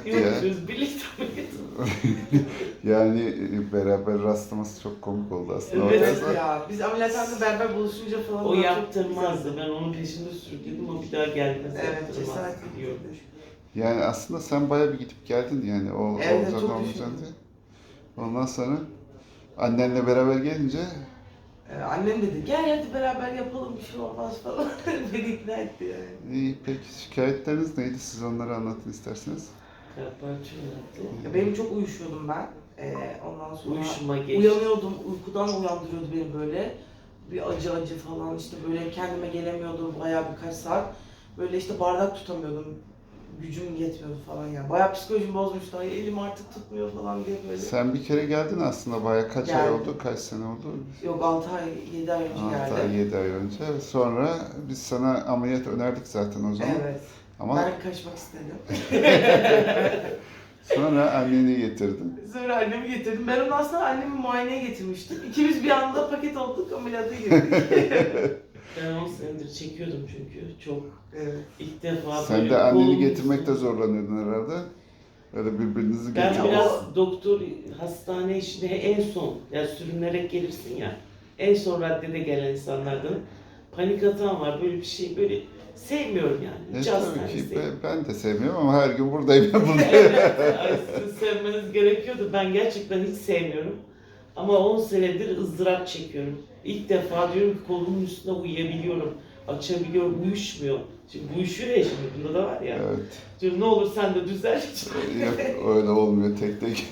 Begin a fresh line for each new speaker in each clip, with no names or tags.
ya.
Yok biz birlikte ameliyat olduk.
Yani beraber rastlaması çok komik oldu aslında.
Evet
Bakarsan.
Ya biz ameliyathanede beraber buluşunca falan.
O
çok
yaptırmazdı.
güzeldi.
Ben onun peşinde sürükledim. O bir daha gelmez.
Evet,
Yaptırmaz
cesaret
diyorum.
Yani aslında sen bayağı bir gidip geldin yani o
Evet,
olacak
çok
olmayacak
düşündüm.
diye. Ondan sonra annenle beraber gelince
Annem dedi gel hadi beraber yapalım bir şey olmaz falan. Beni ikna etti yani.
iyi, peki şikayetleriniz neydi? Siz onları anlatın isterseniz.
Kalparçı yaptı.
Ya benim çok uyuşuyordum ben. Ondan sonra
Uyuşuma geçti.
uyanıyordum, uykudan uyandırıyordu beni böyle. Bir acı acı falan işte böyle kendime gelemiyordum bayağı birkaç saat. Böyle işte bardak tutamıyordum. Gücüm yetmiyordu falan yani. Bayağı psikolojim bozmuştu. Ay elim artık tutmuyor falan diye böyle.
Sen bir kere geldin aslında bayağı kaç ay
Geldim.
oldu? Kaç sene oldu?
Yok 6 ay, 7 ay önce
6
geldim.
ay, 7 ay önce. Sonra biz sana ameliyat önerdik zaten o zaman.
Evet.
Ama
Ben kaçmak istedim.
sonra anneni getirdin.
Sonra annemi getirdim. Ben onu aslında annemi muayeneye getirmiştim. İkimiz bir anda paket olduk, ameliyata girdik.
Ben 10 senedir çekiyordum çünkü. Çok
Evet.
ilk defa
Sen
böyle
de anneni
kolum
getirmekte
üstüne-
zorlanıyordun herhalde. Öyle birbirinizi
Ben
getirip...
biraz doktor hastane işine en son, yani sürünerek gelirsin ya, en son raddede gelen insanlardan panik atağım var, böyle bir şey, böyle sevmiyorum yani. Hiç
tabii
hastane
ki
sevmiyorum.
ben de sevmiyorum ama her gün buradayım.
Evet, ay, sizin sevmeniz gerekiyordu. Ben gerçekten hiç sevmiyorum. Ama 10 senedir ızdırap çekiyorum. İlk defa diyorum ki kolumun üstüne uyuyabiliyorum. Açabiliyorum, uyuşmuyor. Şimdi uyuşuyor ya şimdi, bunda da var ya.
Evet.
Diyorum ne olur sen de düzel.
Yok öyle olmuyor tek tek.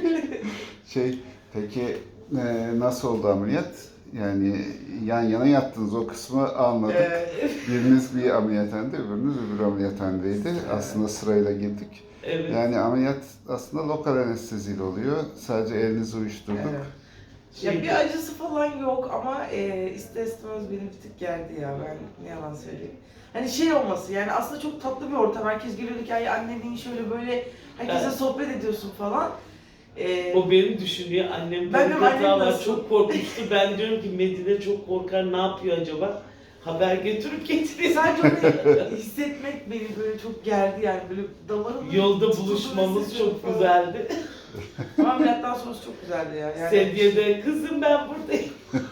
Peki nasıl oldu ameliyat? Yani yan yana yattınız o kısmı anladık. Biriniz bir ameliyathanede, öbürünüz öbür ameliyathanedeydi. Aslında sırayla girdik.
Evet.
Yani ameliyat aslında lokal anesteziyle oluyor. Sadece elinizi uyuşturduk.
Evet. Ya bir acısı falan yok ama ister istemez beni bir tık gerdi ya, ben ne yalan söyleyeyim. Hani şey olması yani aslında çok tatlı bir ortam. Herkes geliyordu ki ay annenin şöyle böyle herkese
Evet.
sohbet ediyorsun falan.
O beni düşünüyor. Annem
Ben
panik
de annem
atağı var.
nasıl?
Çok korkmuştu. Ben diyorum ki Medine çok korkar. Ne yapıyor acaba? Haber götürüp getiriyor.
Sadece onu hissetmek beni böyle çok gerdi yani böyle damarımın
Yolda
tutulduğunu
buluşmamız
hissediyorum
çok
falan.
güzeldi.
Ama ameliyattan sonrası çok güzeldi ya. Yani
Sedye'de kızım ben buradayım.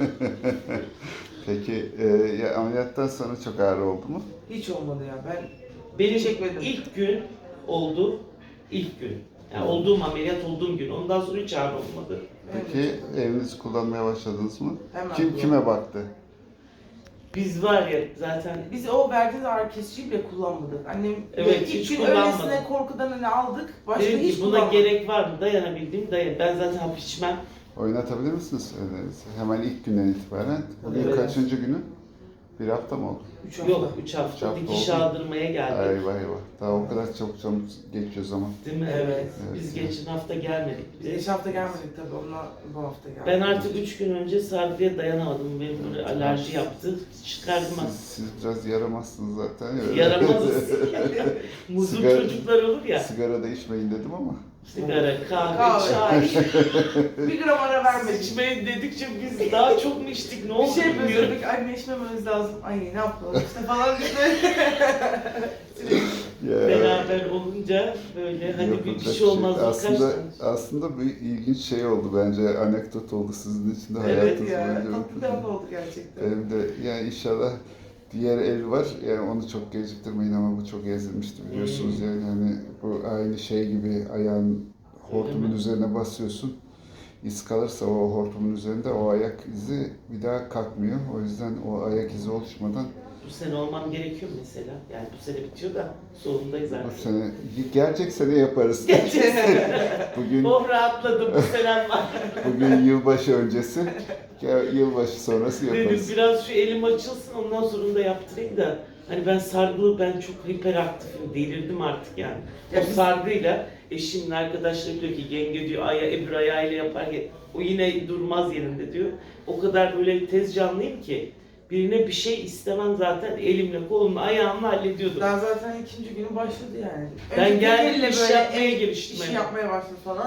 Peki ya ameliyattan sonra çok ağrı oldu mu?
hiç olmadı ya. Ben
Benim
Çekmedim.
ilk gün oldu. İlk gün. Yani olduğum ameliyat olduğum gün. Ondan sonra hiç ağrı olmadı.
Peki evinizi kullanmaya başladınız mı?
Hemen
Kim
bu.
kime baktı?
Biz var ya zaten
Biz o verdiğiniz ağrı kesiciyi bile kullanmadık. Annem
Evet,
ilk
hiç
gün
kullanmadım.
öylesine korkudan hani aldık. Başka
dedim
hiç
ki buna
kullanmadık.
gerek var mı? Dayanabildiğim dayan. Ben zaten hap içmem.
Oynatabilir misiniz ellerinizi? Hemen ilk günden itibaren. Bugün
Evet.
kaçıncı günü? Bir hafta mı oldu?
3 hafta.
Yok 3 hafta,
Üç hafta
dikiş
oldu.
aldırmaya geldik.
Eyvah eyvah. Daha o kadar çabuk geçiyor zaman.
Değil mi?
Evet.
Biz
Evet.
geçen hafta gelmedik.
Biz geçen hafta gelmedik tabii. Onunla bu hafta geldik.
Ben artık 3 gün önce sargıya dayanamadım. Benim böyle alerji yaptı. Çıkardım
Siz biraz yaramazsınız zaten.
Yaramazız. Muzlu
Sigara-
çocuklar olur ya.
Sigara da içmeyin dedim ama.
Sigara, kahve,
Kahve.
çay.
bir gram ara vermedik.
İçmeyin dedikçe biz daha çok mu içtik? Ne
Bir
oldu
şey
bilmiyorum.
yapıyorduk, anne içmememiz lazım. Ay ne yapalım işte falan işte.
Ya,
Beraber olunca böyle hani
yapacak
bir şey olmaz.
Aslında bir ilginç şey oldu bence. Anekdot oldu sizin için de
Evet
hayatınız
ya,
boyunca.
tatlı bir an oldu gerçekten.
Benim de yani inşallah diğer el var. Yani onu çok geciktirmeyin ama bu çok ezilmişti biliyorsunuz yani hani bu aynı şey gibi ayağın hortumun
mi?
üzerine basıyorsun. İz kalırsa o hortumun üzerinde o ayak izi bir daha kalkmıyor. O yüzden o ayak izi oluşmadan
Bu sene olmam gerekiyor mu mesela? Yani bu sene bitiyor da sonundayız
bu
artık.
sene gelecek sene yaparız. Bugün
Oh rahatladım, bu senem var.
bugün yılbaşı öncesi, yılbaşı sonrası
Dedim
yaparız.
biraz şu elim açılsın ondan sonra da yaptırayım da. Hani ben sargılı, ben çok hiperaktifim, delirdim artık yani.
Ya
O
biz-
sargıyla eşimin arkadaşları diyor ki yenge diyor öbür ayağıyla yapar ya. O yine durmaz yerinde diyor. O kadar böyle tez canlıyım ki. Birine bir şey istemem zaten elimle, kolumla, ayağımla hallediyordum.
Daha zaten ikinci günü başladı yani.
Ben
Önce
geldim,
elle
iş
böyle
yapmaya
el
giriştim
işi
hemen.
yapmaya başladı falan.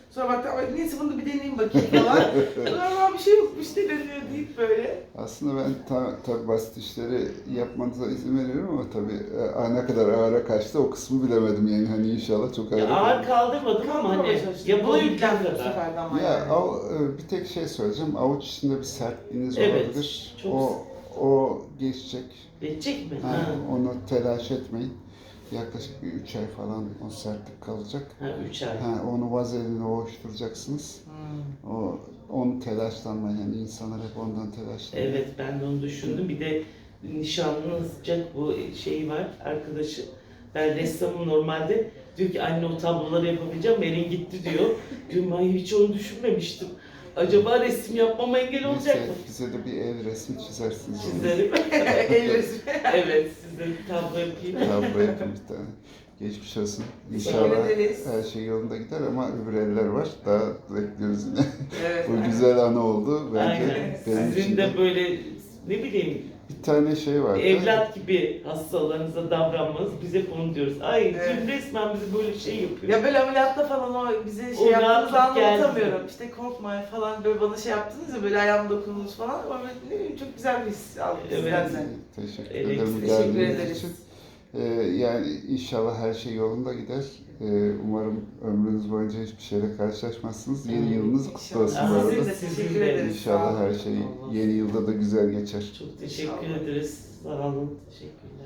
Sonra baktım "Ay, neyse bunu da bir deneyeyim bakayım falan. Sonra bir şey yokmuş deneniyor deyip böyle.
Aslında ben tabii basit işleri yapmanıza izin veriyorum ama tabii ne kadar ağıra kaçtı o kısmı bilemedim yani hani inşallah çok ağır.
Ya ağır kaldırmadım ama
Kaldırmaya
hani
çalıştım. Buna
yapabildiğim
yüklendim bu
kadar.
sefer de ama
Ya
yani.
bir tek şey söyleyeceğim. Avuç içinde bir sertliğiniz
Evet,
olabilir.
çok-
O geçecek.
Geçecek mi?
Ha,
Ha.
onu telaş etmeyin. Yaklaşık bir 3 ay falan o sertlik kalacak.
Ha 3 ay.
Ha, onu vazelinle ovuşturacaksınız. Onu telaşlanmayın. Yani insanlar hep ondan telaşlanıyor.
Evet ben de onu düşündüm. Bir de nişanlanacak bu şeyi var arkadaşı. Ben ressamım normalde. Diyor ki anne o tabloları yapabileceğim. Erin gitti diyor. Diyorum ben hiç onu düşünmemiştim. Acaba resim yapmama engel olacak mı?
Bize de bir el resmi çizersiniz.
Çizerim.
El resmi.
Evet size bir tablo yapayım.
Tablo yapın bir tane. Geçmiş olsun.
Teşekkür
İnşallah
ederiz.
her şey yolunda gider ama öbür eller var. Daha bekliyoruz yine.
Evet.
Bu güzel anı oldu bence.
Aynen.
Benim için
Sizin de böyle ne bileyim
bir tane şey vardı.
evlat gibi hastalarınıza davranmanız biz hep onu diyoruz. Ay
Evet.
Cem resmen bizi böyle şey yapıyor.
Ya böyle ameliyatta falan o bize
O
şey yaptığınızı
rahatlık geldi.
anlatamıyorum. İşte korkma falan böyle bana şey yaptınız ya böyle ayağım dokundunuz falan. Ama ne bileyim çok güzel bir his aldım
Evet.
sizden de.
Teşekkür
Evet,
ederim
teşekkür
geldiğiniz
ederiz.
için. Yani inşallah her şey yolunda gider. Umarım ömrünüz boyunca hiçbir şeyle karşılaşmazsınız. Yeni yılınız kutlu olsun bu
İnşallah.
arada.
Sizin de teşekkür ederiz. Sağ
İnşallah
olun.
her şey yeni yılda da güzel geçer.
Çok teşekkür
İnşallah.
ederiz. Sağ olun. Teşekkürler.